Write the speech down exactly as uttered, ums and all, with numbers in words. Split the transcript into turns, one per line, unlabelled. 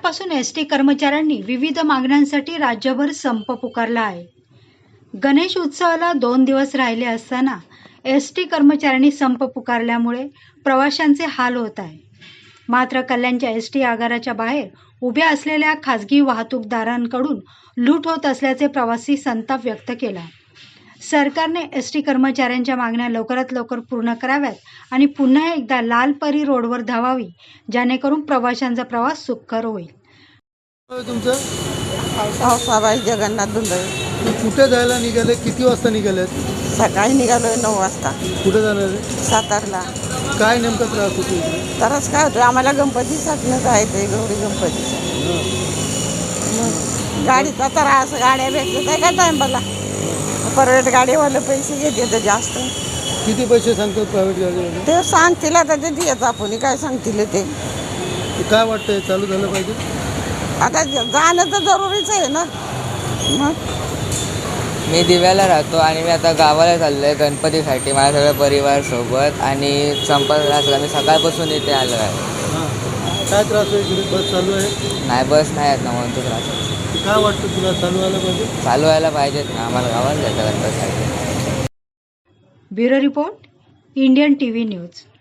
सकाळपासून S T कर्मचाऱ्यांनी विविध मागण्यांसाठी राज्यभर संप पुकारला आहे. गणेश उत्सवाला दोन दिवस राहिले असताना एस टी कर्मचाऱ्यांनी संप पुकारल्यामुळे प्रवाशांचे हाल होत आहे. मात्र कल्याणच्या एस टी आगाराच्या बाहेर उभ्या असलेल्या खासगी वाहतूकदारांकडून लूट होत असल्याचे प्रवासी संताप व्यक्त केला. सरकारने एस टी कर्मचाऱ्यांच्या मागण्या लवकरात लवकर पूर्ण कराव्यात आणि पुन्हा एकदा लाल परी रोडवर धावावी, जेणेकरून प्रवाशांचा प्रवास सुखकर होईल.
तुमचं
पावसाबाई जगन्नाथ धुंदळे.
कुठे जायला निघाले? किती वाजता निघालेत?
सकाळी निघालोय नऊ वाजता.
कुठे जाणार आहे?
सातारला.
काय नेमका त्रास होतो इकडे?
तरच काय होतं, आम्हाला गणपतीसाठी जायचंय, गौरी गणपतीसाठी. गाडीचा त्रास, गाड्या भेटत आहे का टाइमला? प्रायव्हेट गाडीवाले पैसे घेते तर जास्त.
किती पैसे सांगतात प्रायव्हेट गाडीवाले?
ते सांगतील आता, ते देत आपण काय सांगतील ते.
काय वाटतंय, चालू झालं पाहिजे?
आता जाणं तर जरुरीच आहे ना. मग
मी दिव्याला राहतो आणि मी आता गावाला चाललो आहे गणपतीसाठी माझ्या सगळ्या परिवारासोबत, आणि संपर्क असला मी सकाळपासून इथे आलो आहे.
हां, काय त्रास आहे इकडे? बस चालू आहे?
नाही, बस नाही आहेत ना, म्हणून तो त्रास आहे.
काय वाटतं तुला, चालू व्हायला पाहिजे?
चालू व्हायला पाहिजेत ना, आम्हाला गावाला जायचं गणपतीसाठी.
Bureau report, Indian T V news.